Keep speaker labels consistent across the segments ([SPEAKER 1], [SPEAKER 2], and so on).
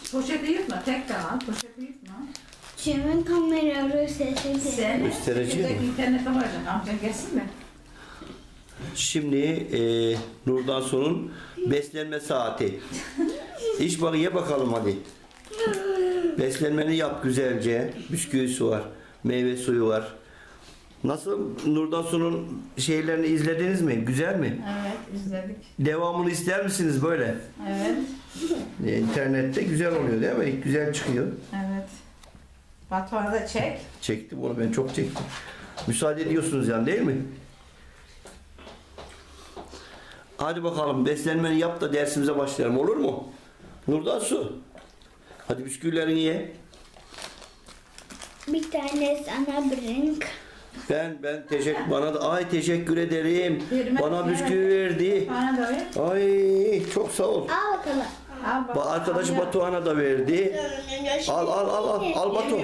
[SPEAKER 1] Poşeti yutma, tek kanal, poşeti yutma.
[SPEAKER 2] Kimin kameraları sesi
[SPEAKER 1] Sen
[SPEAKER 3] göstereceğim.
[SPEAKER 1] İnternete varacak, amcan gelsin mi?
[SPEAKER 3] Şimdi Nurdan Su'nun beslenme saati. İç bak, ye bakalım hadi. Beslenmeni yap güzelce. Bisküvisi var, meyve suyu var. Nasıl, Nurdan Su'nun şeylerini izlediniz mi? Güzel mi?
[SPEAKER 1] Evet, izledik.
[SPEAKER 3] Devamını ister misiniz böyle?
[SPEAKER 1] Evet.
[SPEAKER 3] İnternette güzel oluyor değil mi? Güzel çıkıyor.
[SPEAKER 1] Evet. Batuhan'ı da çek.
[SPEAKER 3] Çektim onu, ben çok çektim. Müsaade ediyorsunuz yani, değil mi? Hadi bakalım, beslenmeni yap da dersimize başlayalım, olur mu? Nurdan Su. Hadi bisküvilerini ye.
[SPEAKER 2] Bir tane sana bırak.
[SPEAKER 3] Ben teşekkür ederim.
[SPEAKER 1] Vermez,
[SPEAKER 3] Bana
[SPEAKER 1] vermez.
[SPEAKER 3] bisküvi verdi.
[SPEAKER 1] Bana da ver.
[SPEAKER 3] Ay çok sağ ol.
[SPEAKER 2] Al bakalım.
[SPEAKER 1] Al bak.
[SPEAKER 3] Arkadaşı Batuhan'a da verdi. Al Batuhan.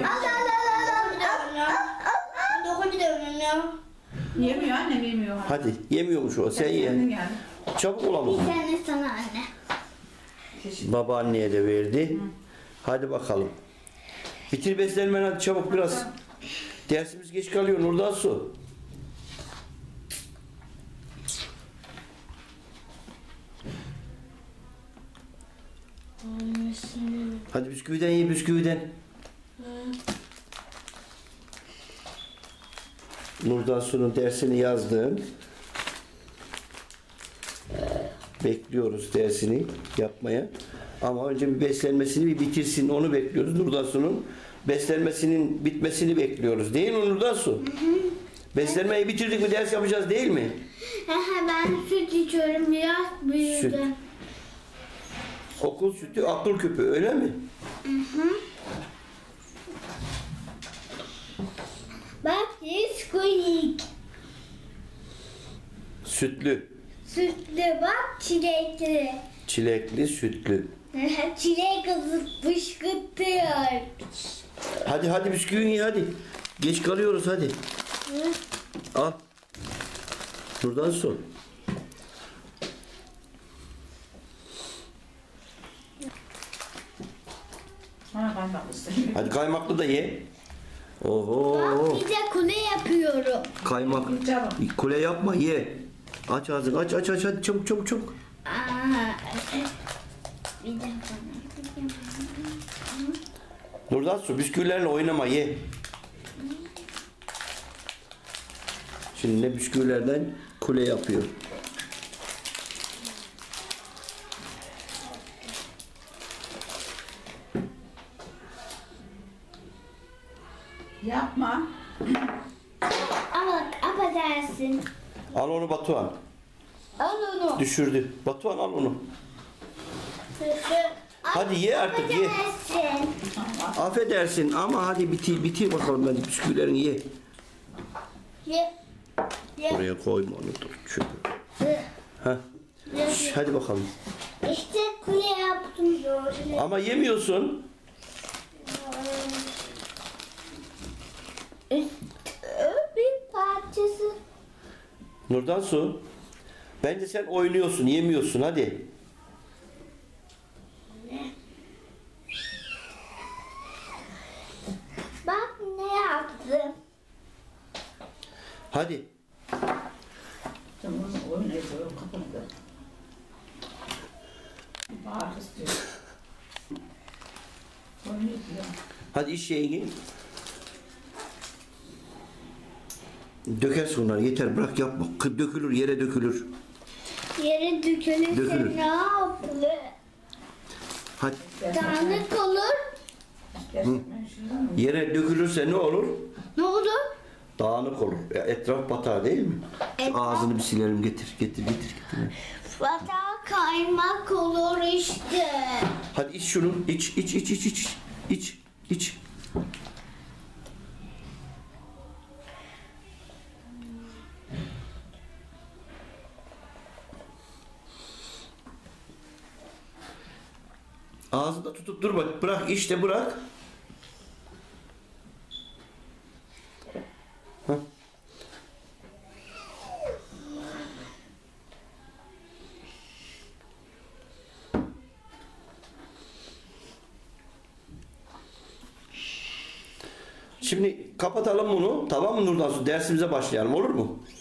[SPEAKER 1] Yemiyor annem, yemiyor.
[SPEAKER 3] Hadi, yemiyormuş o, sen
[SPEAKER 1] Kendin
[SPEAKER 3] ye.
[SPEAKER 1] yani.
[SPEAKER 3] Çabuk olalım.
[SPEAKER 2] Bir tane sana anne.
[SPEAKER 3] Babaanneye de verdi. Hadi bakalım. Bitir beslenmeni hadi çabuk biraz. Dersimiz geç kalıyor Nurdan Su. Hadi bisküviden ye, bisküviden. Nurdan Su'nun dersini yazdım. Bekliyoruz dersini yapmaya. Ama önce bir beslenmesini bir bitirsin, onu bekliyoruz. Nurdan Su'nun beslenmesinin bitmesini bekliyoruz. Değil mi Nurdan Su? Beslenmeyi bitirdik mi ders yapacağız, değil mi?
[SPEAKER 2] Ben süt içiyorum, biraz büyüdü.
[SPEAKER 3] Süt. Okul sütü, akıl küpü, öyle mi?
[SPEAKER 2] Bak, Nesquik.
[SPEAKER 3] Sütlü,
[SPEAKER 2] Sütlü bak, çilekli.
[SPEAKER 3] çilekli, sütlü.
[SPEAKER 2] Çilek azıp fışkırtıyor.
[SPEAKER 3] Hadi bisküvini ye hadi. Geç kalıyoruz hadi. Al. Nurdan Su.
[SPEAKER 1] Bana kaymak istedim.
[SPEAKER 3] Hadi kaymaklı da ye. Oho.
[SPEAKER 2] Bak, bir de kule yapıyorum.
[SPEAKER 3] Kaymak.
[SPEAKER 1] Çabuk.
[SPEAKER 3] Kule yapma, ye. Aç ağzını, aç hadi çabuk.
[SPEAKER 2] Bir de
[SPEAKER 3] Nurdan Su, bisküvilerle oynama, ye. Şimdi ne bisküvilerden kule yapıyor.
[SPEAKER 1] Yapma.
[SPEAKER 2] Ama affedersin.
[SPEAKER 3] Al onu Batuhan.
[SPEAKER 2] Al onu.
[SPEAKER 3] Düşürdü. Batuhan al onu. Hadi ye artık, ye.
[SPEAKER 2] Affedersin.
[SPEAKER 3] Affedersin ama hadi bitir bakalım, hadi bisküvilerini ye.
[SPEAKER 2] Ye. Ye.
[SPEAKER 3] Oraya koyma onu, dur şöyle. Hadi bakalım.
[SPEAKER 2] İşte kule yaptım.
[SPEAKER 3] Ama yemiyorsun.
[SPEAKER 2] Bir parçası.
[SPEAKER 3] Nurdan Su. Bence sen oynuyorsun, yemiyorsun, hadi.
[SPEAKER 2] Bak ne yaptım.
[SPEAKER 3] Hadi.
[SPEAKER 1] Tamam, oynayıp kapandı. Bağır istiyor. Oynayıp ya.
[SPEAKER 3] Hadi iş şeyini. Dökersin onları, yeter, bırak, yapma. Dökülür, yere dökülür.
[SPEAKER 2] Yere dökülürse
[SPEAKER 3] Dökülür.
[SPEAKER 2] ne yapılır?
[SPEAKER 3] Hadi.
[SPEAKER 2] Dağınık olur.
[SPEAKER 1] Gerçekten şundan mı?
[SPEAKER 3] Yere dökülürse ne olur?
[SPEAKER 2] Ne olur?
[SPEAKER 3] Dağınık olur. Etraf batar değil mi? Şu
[SPEAKER 2] Etraf-
[SPEAKER 3] ağzını bir silelim, getir.
[SPEAKER 2] Vata kaymak olur işte.
[SPEAKER 3] Hadi iç şunu, iç. Ağzında tutup durma, bırak, işte bırak. Hah. Şimdi kapatalım bunu. Tamam mı Nurdan Su? Dersimize başlayalım. Olur mu?